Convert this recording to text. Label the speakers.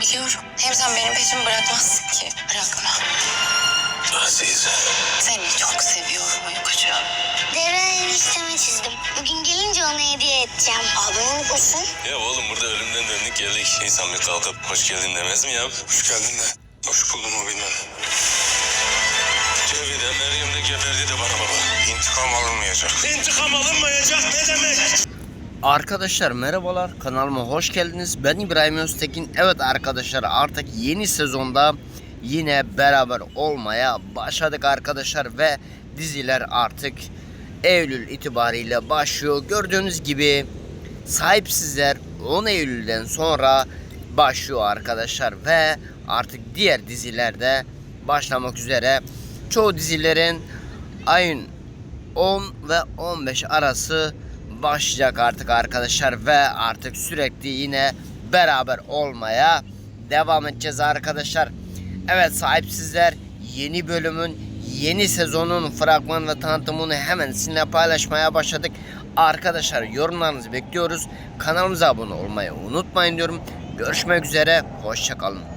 Speaker 1: Biliyorum. Hem sen benim peşimi bırakmazsın ki. Bırakma.
Speaker 2: Azize.
Speaker 1: Seni çok seviyorum uykucuğum.
Speaker 3: Dere enişteme çizdim. Bugün gelince ona hediye edeceğim.
Speaker 1: Aldın mısın?
Speaker 2: Ya oğlum burada ölümden döndük geldik. İnsan bir kalkıp hoş geldin demez mi ya? Hoş geldin de. Hoş buldum o bilmem. Cevide Meryem de geberdi de bana baba. İntikam alınmayacak. İntikam alınmayacak ne demek?
Speaker 4: Arkadaşlar merhabalar, kanalıma hoş geldiniz. Ben İbrahim Öztekin. Evet arkadaşlar, artık yeni sezonda yine beraber olmaya başladık arkadaşlar ve diziler artık Eylül itibariyle başlıyor. Gördüğünüz gibi Sahipsizler 10 Eylül'den sonra başlıyor arkadaşlar ve artık diğer dizilerde başlamak üzere. Çoğu dizilerin ayın 10 ve 15 arası başlayacak artık arkadaşlar ve artık sürekli yine beraber olmaya devam edeceğiz arkadaşlar. Evet, Sahipsizler yeni bölümün, yeni sezonun fragman ve tanıtımını hemen sizinle paylaşmaya başladık. Arkadaşlar yorumlarınızı bekliyoruz. Kanalımıza abone olmayı unutmayın diyorum. Görüşmek üzere, hoşça kalın.